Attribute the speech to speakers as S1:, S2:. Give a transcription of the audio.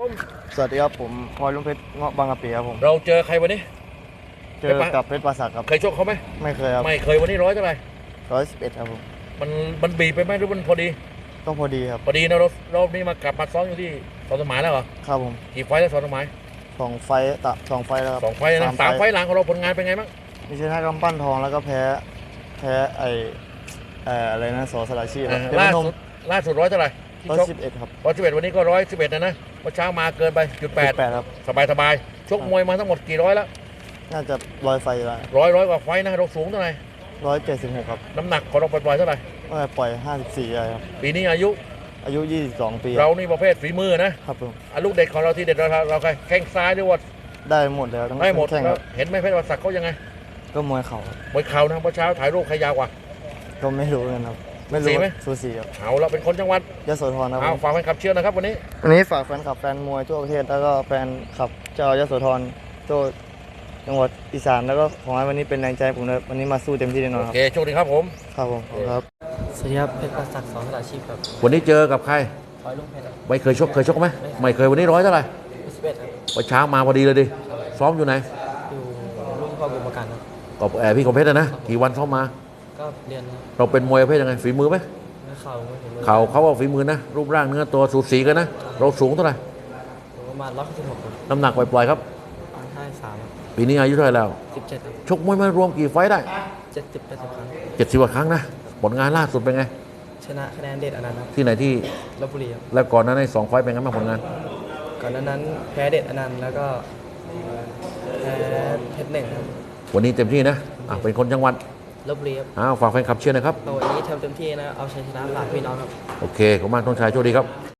S1: สวัสดีครับผมพลอยลุงเพชรเงาะบางกะปิครับผม
S2: เราเจอใครวันนี้
S1: เจอกับเพชรปราสาทครับ
S2: เคยชกเขาไหม
S1: ไม่เคยครับ
S2: ไม่เคยวันนี้ร้อยเท่าไหร่
S1: 111ครับผม
S2: มันบีบไปไหมหรือมันพอดี
S1: ก็พอดีครับ
S2: พอดีนะรอบนี้มากลับมาซ้อมอยู่ที่สอนสมายแล้วเหรอ
S1: ครับผม
S2: กี่ไฟล์แล้วสอนสมาย
S1: 2 ไฟล์แล้วครับ
S2: 2 ไฟล์นะ3 ไฟล์หลังของเราผลงานเป็นไงบ้าง
S1: มีชนะกำปั้นทองแล้วก็แพ้อะไรนะสสระชีพครับ
S2: ล่าสุดร้อยเท่าไหร่ที่ชก
S1: 111ครับ
S2: 111วันนี้ก็111นะเมื่อเช้ามาเกินไป
S1: 8ครับ
S2: สบายชกมวยมาทั้งหมดกี่ร้อยแล้ว
S1: น่าจะ100 ไฟแล้ว
S2: ร้อยกว่าไฟล์นะเราสูงเท่าไหร่
S1: 176ครับ
S2: น้ำหนักของเราปล่อยเท่าไหร่
S1: ปล่อย54อะไรครับ
S2: ปีนี้อายุ
S1: 22 ปี
S2: เรานี่ประเภทฝีมือนะครับ
S1: ผม
S2: ลูกเด็ดของเราที่เด็ดเราใครแข้งซ้ายหรือว่า
S1: ได้หมดแล้วทั้ง
S2: ได้หมด
S1: แข้งครับ
S2: เห็นไหมเพชรวัศักดิ์เขายังไง
S1: ก็มวยเข่าครับ
S2: มวยเข่านะเมื่อเช้าถ่ายรูปใครยาวกว่า
S1: ก็ไม่รู้กันครับไม่รู้สูสีครับ
S2: เอาเราเป็นคนจังหวัด
S1: ยโสธรครับ
S2: เอาฝากแฟนคลับเชียร์นะครับวัน
S1: นี้ฝากแฟนคลับแฟนมวยทั่วประเทศแล้วก็แฟนคลับเจ้ายโสธรทั่วจังหวัดอีสานแล้วก็ขอให้วันนี้เป็นแรงใจผมเลยวันนี้มาสู้เต็มที่แน่นอนค
S2: โอ
S1: รับ
S2: เคโชคดีครับผม
S1: ครับ
S3: สวัสดีครับเพชรประศักดิ์สอนสลาชีพครับ
S2: วันนี้เจอกับใคร
S3: พลอยลุงเพชร
S2: ไม่เคยชกไหมไม่เคยวันนี้ร้อยเท่าไหร่
S3: 11ครับ
S2: เมื่อเช้ามาพอดีเลยดิซ้อมอยู่ไหน
S3: อยู่รุ่นพ่อกุมประกันครับ
S2: กับพี่คมเพชรนะกี่วันซ้อมมา
S3: ก็เรียน
S2: เราเป็นมวยประเภทยังไงฝีมือไหม
S3: เข่าไม่ถึงมือ
S2: เขาว่าฝีมือนะรูปร่างเนื้อตัวสูสีกันนะเราสูงเท่าไหร่
S3: ประมาณ116ครับ
S2: น้ำหนักปล่อยครับ
S3: 53
S2: ปีนี้อายุเท่าไหร่แล้ว
S3: 17ครับ
S2: ชกมวยมารวมกี่ไฟต์ได้
S3: 70-80 ครั้ง
S2: 70 กว่าครั้งนะผลงานล่าสุดเป็นไง
S3: ชนะคะแนนเด็ดอนันต์ครับ
S2: ที่ไหนที่
S3: ลพบุรีครับ
S2: แล้วก่อนนั้นใน2 ไฟต์เป็นไงบ้างผลงาน
S3: ก่อนนั้นแพ้เด็ดอนันต์แล้วก็แพ้เพชรหนึ่งครับ
S2: วันนี้เต็มที่นะเป็นคนจังหวัด
S3: ลพบุรีครับ
S2: ฝากแฟนคลับเชียร์นะครับ
S3: วันนี้ทำเต็มที่นะเอาชัยชนะฝากพี่น้องครับ
S2: โอเคขอบคุณมากต้องชายโชคดีครับ